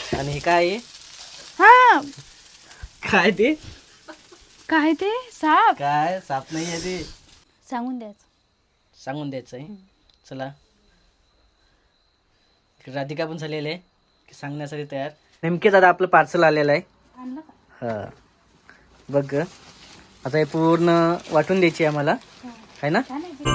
आणि हे काय आहे? हा काय ते? काय ते साप काय साप नाही आहे ते, सांगून द्यायचं. सांगून द्यायचं आहे. चला, राधिका पण झालेली आहे की सांगण्यासाठी तयार. नेमकेच आता आपलं पार्सल आलेलं आहे. आणलं का? हा बघ ग. आता हे पूर्ण वाटून द्यायची आहे आम्हाला, आहे ना? छान आहे ते.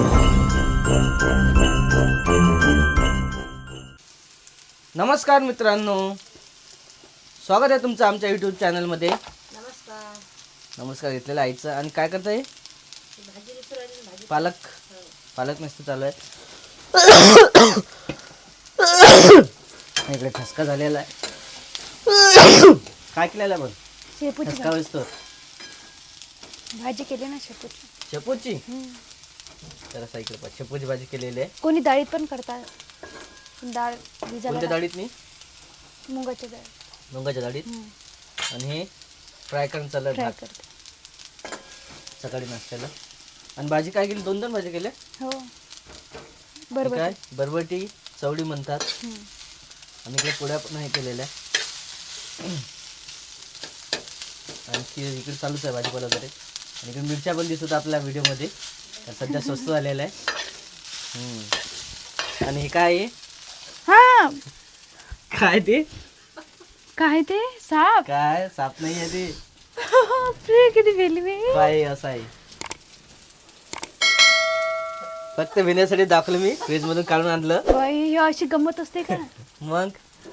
नमस्कार मित्रांनो, स्वागत आहे तुमचं आमच्या यूट्यूब चॅनलमध्ये. नमस्कार. नमस्कार घेतलेलं आईचं. आणि काय करताय? पालक पालक मस्त चालू आहे. इकडे ठसका झालेला आहे. काय केलेला आहे बघ? शेपूची ठसका बसतो. भाजी केली ना शेपूची. शेपूची तर असा इकडे पाहा, शेपूची भाजी केलेली आहे. कोणी डाळीत पण करतात. डाळ भिजायला कोणत्या डाळीत? मी मुगाची डाळ मुगाच्या डाळीत. आणि हे फ्राय करून चाललं फ्राय भात करते. सकाळी नाश्त्याला. आणि भाजी काय केली? 2 भाजी केल्या. हो हे बरोबर. काय बरबटी चवडी म्हणतात. हम्म. आणि इकडे पोळ्या पण हे केलेल्या. आणि इकडे चालूच आहे भाजीपाला वगैरे. आणि इकडे मिरच्या पण दिसत आपल्या व्हिडिओमध्ये. सध्या स्वस्त झालेला आहे. आणि हे काय आहे? हा काय ते? काय ते साप काय साप नाही आहे ते. बापरे, किती भेली मी. काय असं आहे? फक्त भिण्यासाठी दाखवलं मी. फ्रीज मधून काढून आणलं. बाई, ही अशी गंमत असते का? मग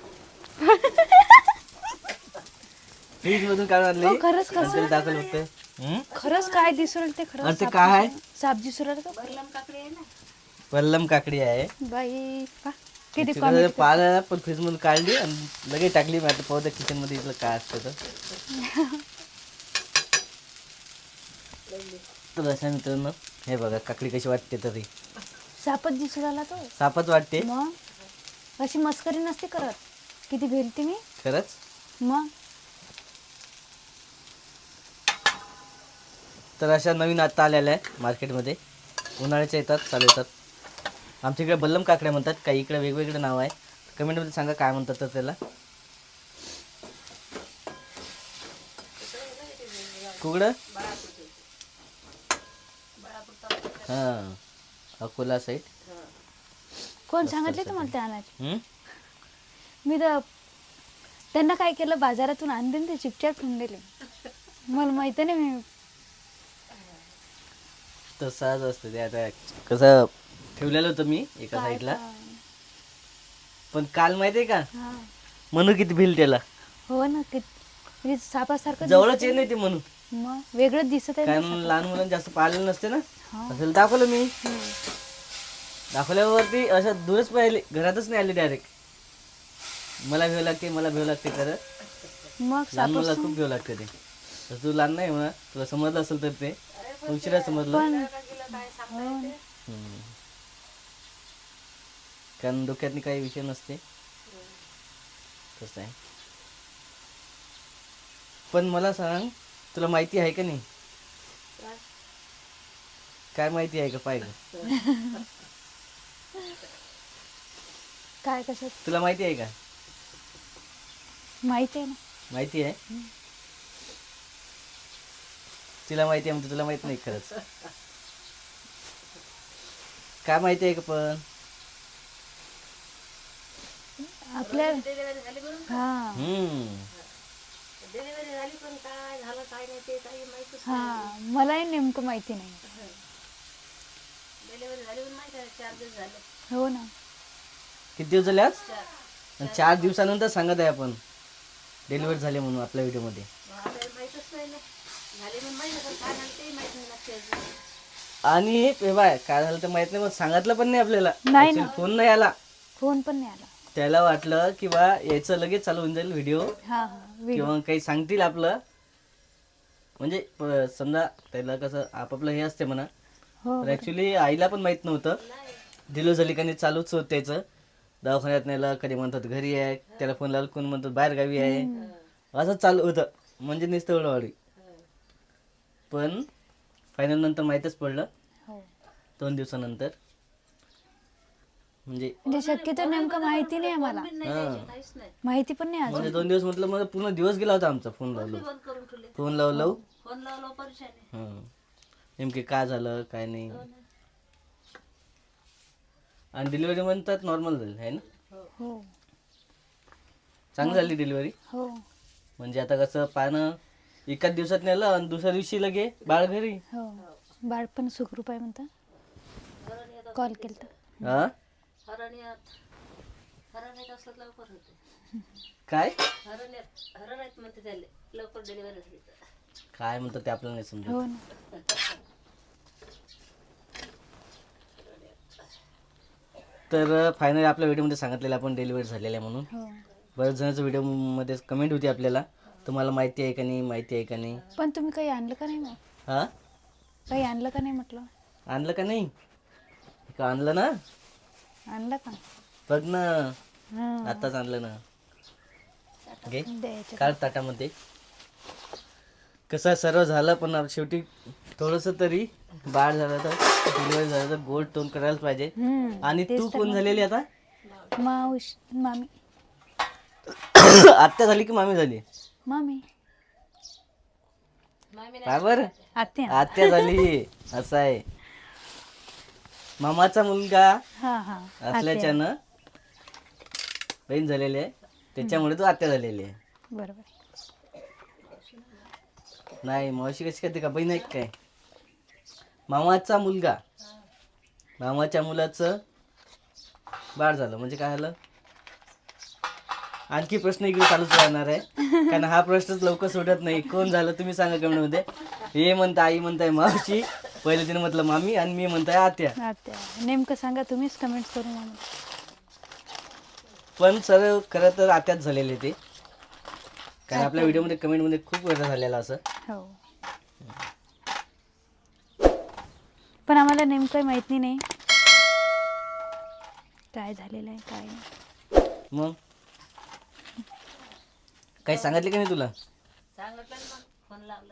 फ्रीज मधून काढून आणले. हो, खरंच कसं? नंतर दाखवलं फक्त. खरंच काय दिसू राहिलं ते खरंच. अरे ते साप काय आहे? दिसू- साप दिसू राहिलं का? वल्लम काकडी आहे. बाई पा, किती तिकडे कॉमेडी. पाहिलं पण फ्रीज मधून काढली आणि लगेच टाकली. मी आता पाहू त्या किचन मध्ये इथलं काय असतं तर अशा मित्रांनो, हे बघा काकडी कशी वाटते. तरी सापच दिसू राहिला तो. सापच वाटते. मग अशी मस्करी नसते करत. किती भेलते मी. खरंच. मग तर अशा नवीन आता आलेल्या आहे मार्केटमध्ये. उन्हाळ्याच्या येतात, चालू येतात. आमच्या इकडे बल्लम काकड्या म्हणतात. काही इकडे वेगवेगळे नाव आहे. कमेंटमध्ये सांगा काय म्हणतात तर त्याला. कुकडं? हां, अकोला साईड. कोण सांगितले तुम्हाला ते आणायचे? हम्म? मी तर त्यांना काय केलं, बाजारातून आणले ते चिपचाप ठेवून दिले. मला माहिती नाही. मी तर सहज असतं ते. आता कसं ठेवलेलं होतं मी एका साईडला. पण काल माहिती आहे का, हा. म्हणू किती भिल त्याला. हो ना, म्हणजे सापासारखं जवळच दिसतंय. येत नाही ते म्हणून. मग वेगळंच दिसत आहे कारण ना साप. लहान मुलांना जास्त पाळलेलं नसते ना. हा. असेल दाखवलं मी. हम्म. दाखवल्यावरती अशा दूरच पाहिले, घरातच नाही आले डायरेक्ट. मला भेव लागते, मला भेव लागते खरं. मग लहान मुलाला साप खूप भेव लागते ते. तर तू लहान नाही म्हणा, तुला समजलं असेल तर ते उशिरा समजलं. पण हो ना. कारण डोक्यातनी काही विषय नसते. कसं आहे. पण मला सांग, तुला माहिती आहे का नाही? काय माहिती आहे का? पाहिजे काय कशात तुला माहिती आहे का? माहिती आहे ना. माहिती आहे. तिला माहिती आहे म्हणजे तुला माहित नाही खरंच. काय माहिती आहे का पण? आपल्या हा डिलिव्हरी झाली पण काय झालं काय नाही ते काही माहितीच हा, मलाही नेमकं माहिती नाही. डिलिव्हरी झाली पण माहिती आहे 4 दिवस झाले. हो ना. किती दिवस झाले आज? आणि 4 दिवसानंतर सांगत आहे आपण डिलिव्हरी झाली म्हणून आपल्या व्हिडिओमध्ये. आपल्याला माहितच नाही ना. झाली पण माहिती पण काय झालं ते माहित नाही नक्की. आणि हे बाय काय झालं तर माहित नाही, मग सांगितलं पण नाही आपल्याला. नाही ना. Actually फोन नाही आला. फोन पण नाही आला. त्याला वाटलं की बा याचं लगेच चालू होऊन जाईल व्हिडिओ, हा हा व्हिडिओ. किंवा काही सांगतील आपलं. म्हणजे समजा त्याला कसं आपापलं हे असते म्हणा. हो पण ऍक्च्युली आईला पण माहित नव्हतं डिलिव्हरी झाली का नाही. चालूच होत त्याचं. दवाखान्यात नेलं, कधी म्हणतात घरी आहे, त्याला फोन लावला कोण म्हणतात बाहेर गावी आहे. असं चालू होतं. म्हणजे नुसतं एवढं. पण फायनल नंतर माहीतच पडलं हो. 2 दिवसानंतर. म्हणजे म्हणजे शक्यतो नेमकं माहिती नाही आम्हाला, काहीच नाही. माहिती पण नाही अजून. म्हणजे 2 दिवस म्हटलं मला पूर्ण दिवस गेला होता आमचा फोन लावलो बंद करून ठेवले. फोन लावलो फोन लावला परेशान आहे. नेमके काय झालं काय नाही. आणि डिलिव्हरी म्हणतात नॉर्मल झाली आहे ना, हो चांगली झाली डिलिव्हरी. हो. म्हणजे आता कसं पानं एकाच दिवसात नेलं आणि दुसऱ्या दिवशी लगे बाळ घरी. हो बाळ पण सुखरूप आहे म्हणता, कॉल केलता. हा हरण येत असलं तर लवकर होते. काय हरण आहेत म्हणते त्याले लवकर डिलिव्हरी झाली तर. काय म्हणतात ते आपल्याला नाही समजत. हो ना. तर फायनली आपल्या व्हिडिओमध्ये सांगितलेलं आपण डिलिव्हरी झालेलं आहे म्हणून. हो. बऱ्याच जणांच्या व्हिडिओमध्ये कमेंट होती आपल्याला, तुम्हाला माहिती आहे का नाही, माहिती आहे का नाही. पण तुम्ही काही आणलं का नाही मग? हा काही आणलं का नाही म्हटलं? आणलं का नाही, का आणलं ना, आणलं का? बघ ना हां आताच आणलं ना. घे द्यायचं. काढ ताटामध्ये. कसं सर्व झालं पण शेवटी थोडंसं तरी बाळ झालं तर डिलिव्हरी झालं तर गोड टोन करायलाच पाहिजे. आणि तू कोण झालेली आता? मामी. आत्या झाली की मामी झाली? मामी. काय बरं आत्या. आत्या झाली असं आहे. मामाचा मुलगा हा हा. असल्याच्यानं बहीण झालेली आहे, त्याच्यामुळे तू आत्या झालेली आहे. बरोबर. नाही मावशी कशी करते का, बहीण आहे का काय? मामाचा मुलगा, मामाच्या मुलाचं बाळ झालं म्हणजे काय झालं? आणखी प्रश्न इकडे चालूच राहणार आहे, कारण हा प्रश्नच लवकर सुटत नाही. कोण झालं तुम्ही सांगा कमेंटमध्ये. हे म्हणता आई म्हणताय मावशी, पहिले तिने म्हटलं मामी आणि मी म्हणताय आत्या. आत्या नेमकं सांगा तुम्हीच कमेंट करून आम्हाला. पण सर खरं तर आत्याच झालेले ते, कारण आपल्या व्हिडिओमध्ये कमेंटमध्ये खूप वेळा झालेला असं. हो. पण आम्हाला नेमकं माहिती नाही काय झालेलं आहे काय नाही. मग काही सांगितले का नाही तुला? सांगितलं ना मग फोन लावला.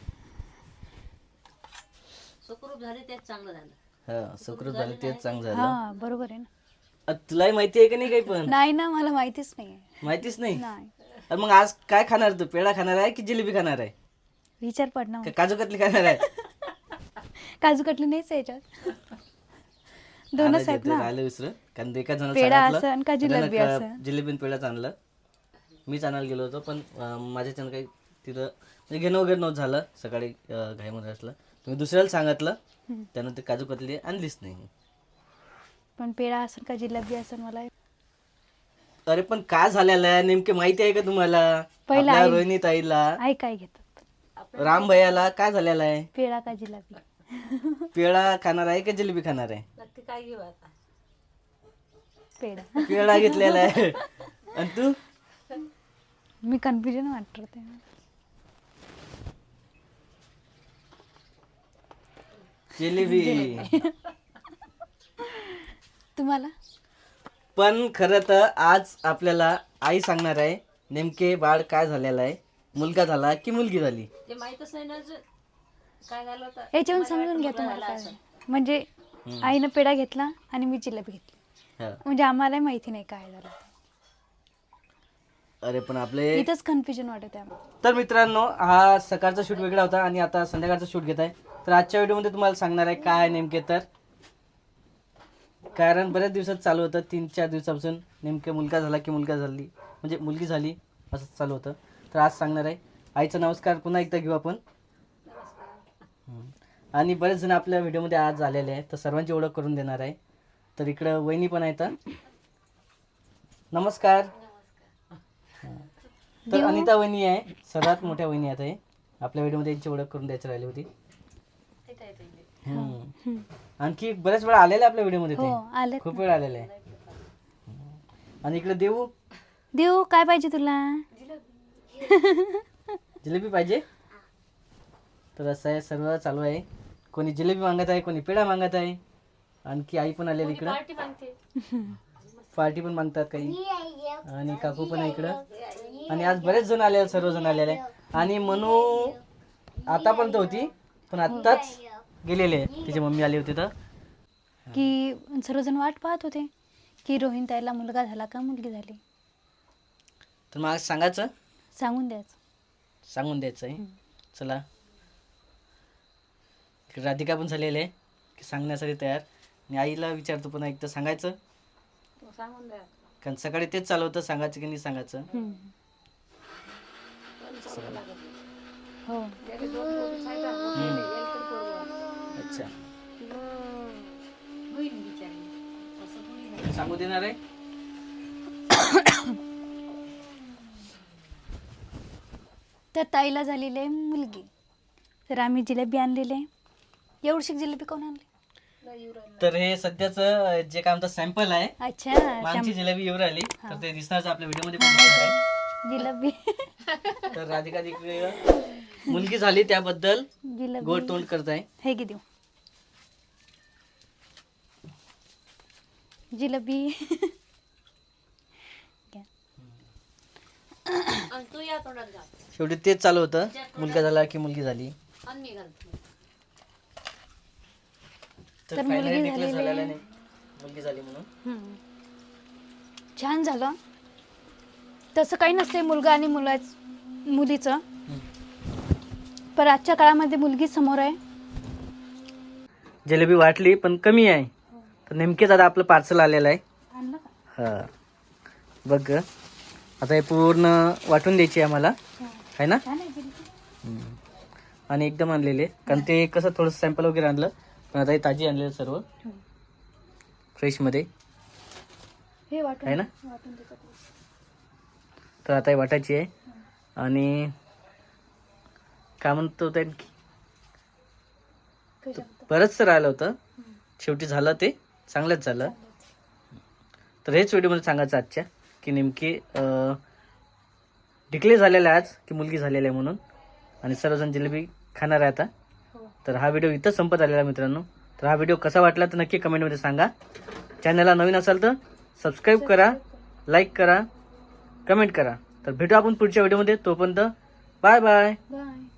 सुखरूप झाली तेच चांगलं झालं. हा सुखरूप झालं तेच चांगलं झालं. हा बरोबर आहे ना. तुलाही माहिती आहे का नाही काही पण? नाही ना मला माहितीच नाही. माहितीच नाही. नाही. अरे मग आज काय खाणार तू? पेढा खाणार आहे की जिलेबी खाणार आहे? विचार पडणार. का काजू कतली खाणार आहे? काजू कटली नाहीच आहे याच्यात. दोनच आहेत ना. राहिलं विसर, कारण एका जणाला पेढा सांगितलं, असन का जिलेबी त्यानं असन. जिलेबी आणि पेढाच आणलं. मीच आणायला गेलो होतो पण माझ्याच्यानं काही तिथं म्हणजे घेणं वगैरे नव्हतं झालं. सकाळी घाईमध्ये असलं, तुम्ही दुसऱ्याला सांगितलं, त्यानं ते काजू कतली आणलीच नाही. पण पेढा असेल का जिलेबी असेल मला. अरे पण काय झालेलं आहे नेमके माहिती आहे का तुम्हाला? पहिलं आपल्या आई- रोहिणी ताईला, आई काय घेतात? राम भैयाला काय झालेलं आहे? पेढा का जिलेबी? पेढा खाणार आहे का जिलेबी खाणार आहे? नक्की काय घेऊ आता? पेढा. पेढा घेतलेला आहे. आणि तू? मी कन्फ्युजन वाटत. जिलेबी. तुम्हाला? पण खरं तर आज आपल्याला आई सांगणार आहे नेमके बाळ काय झालेलं आहे, मुलगा झाला की मुलगी झाली. ते माहीतच नाही ना अजून काय झालं होतं. याच्यावरून समजून घ्या तुम्हाला काय झालं. म्हणजे आईनं पेढा घेतला आणि मी जिलेबी घेतली, हा. म्हणजे आम्हाला माहिती नाही काय झालं. अरे पण आपले इथंच कन्फ्युजन वाटत आहे. तर मित्रांनो, हा सकाळचा शूट वेगळा होता आणि आता संध्याकाळचा शूट घेत आहे. तर आजच्या व्हिडिओमध्ये तुम्हाला सांगणार आहे काय नेमके, तर कारण बऱ्याच दिवसात चालू होतं, 3-4 दिवसापासून नेमके मुलगा झाला की मुलगा झाली म्हणजे मुलगी झाली असं चालू होतं. तर आज सांगणार आहे. आईचा नमस्कार पुन्हा एकदा घेऊ आपण. आणि बरेच जण आपल्या व्हिडिओमध्ये आज आलेले आहेत, तर सर्वांची ओळख करून देणार आहे. तर इकडं वहिनी पण आहेत. नमस्कार. तर अनिता वहिनी आहे, सर्वात मोठ्या वहिनी आहेत हे. आपल्या व्हिडिओमध्ये यांची ओळख करून द्यायची राहिली होती. आणखी बऱ्याच वेळा आलेले आपल्या व्हिडिओमध्ये हो ते, आले. खूप वेळ आलेले आहे. आणि इकडे देऊ. देऊ काय पाहिजे तुला? जिलेबी पाहिजे. तर असं आहे, सर्व चालू आहे. कोणी जिलेबी मागत आहे, कोणी पेढा मागत आहे. आणखी आई पण आलेली इकडं, पार्टी मागते. पार्टी पण मागतात काही. आणि काकू पण आहे इकडं. आणि आज बरेच जण आले, सर्वजण आलेले. आणि मनू आतापर्यंत होती पण आत्ताच गेलेले, तिची मम्मी आली होती तर. की सर्वजण वाट पाहत होते की रोहिण ताईला मुलगा झाला का मुलगी झाली. तर मग आज सांगायचं, सांगून द्यायचं. सांगून द्यायचं आहे. चला, इकडे राधिका पण झालेली आहे की सांगण्यासाठी तयार. आणि आईला विचारतो पुन्हा एकदा सांगायचं, तो सांगून द्या. कारण सकाळी तेच चालू होतं, सांगायचं की नाही सांगायचं. हो. त्याचे दोन पोरीच आहेत, मोठे एक तर पोरगं. अच्छा, होईल बिचारी. असं थोडी नाही. सांगू देणार आहे. तर ताईला झालेली आहे मुलगी. तर आम्ही जिलेबी आणलेली आहे. एवढीशी जिलेबी कोण आणली? लय येऊ राहिलं. तर हे सध्याचं जे काय म्हणतात सॅम्पल आहे, अच्छा, मागची जिलेबी येऊ राहिली, तर ते दिसणारच आपल्या व्हिडिओ मध्ये पण दिसणार आहे. जिलेबी. तर राधिका तिकडे मुलगी झाली त्याबद्दल जिलेबी गोड तोंड करत आहे. हे की देऊ जिलेबी. आणि तू या तोंडात घाल. शेवटी तेच चालू होतं, मुलगा झाला की मुलगी झाली. आणि मी घालतो. तर तर finally मुलगी declare झालेली झालेलं आहे. नाही, मुलगी झाली म्हणून. छान झालं. तसं काही नसते मुलगा आणि मुलीचं, पण आजच्या काळामध्ये मुलगी समोर आहे. जिलेबी वाटली पण कमी आहे. तर नेमकेच आता आपलं पार्सल आलेलं आहे. आणलं का? हा, बघ ग. आता हे पूर्ण वाटून द्यायची आहे आम्हाला, आहे ना. छान आहे जिलेबी. आणि एकदम आणलेले, कारण ते कसं थोडंसं सॅम्पल वगैरे आणलं, पण आता हे ताजी आणलेलं सर्व फ्रेशमध्ये, हे वाटून आहे ना. वाटून देतात. तर आता हे वाटायची आहे. आणि काय म्हणतो ते, बरंचसं राहिलं होतं, शेवटी झालं ते चांगलंच झालं. तर हेच व्हिडिओमध्ये सांगायचं आजच्या, की नेमकी डिक्लेअर झालेलं आहे आज की मुलगी झालेली आहे म्हणून. आणि सर्वजण जिलेबी खाणार आहे आता. तर हा व्हिडिओ इथं संपत आलेला आहे मित्रांनो. तर हा व्हिडिओ कसा वाटला तर नक्की कमेंटमध्ये सांगा. चॅनलला नवीन असाल तर सबस्क्राईब करा, लाईक करा, कमेंट करा. तर भेटू आपण पुढच्या व्हिडिओमध्ये. तोपर्यंत बाय बाय. बाय.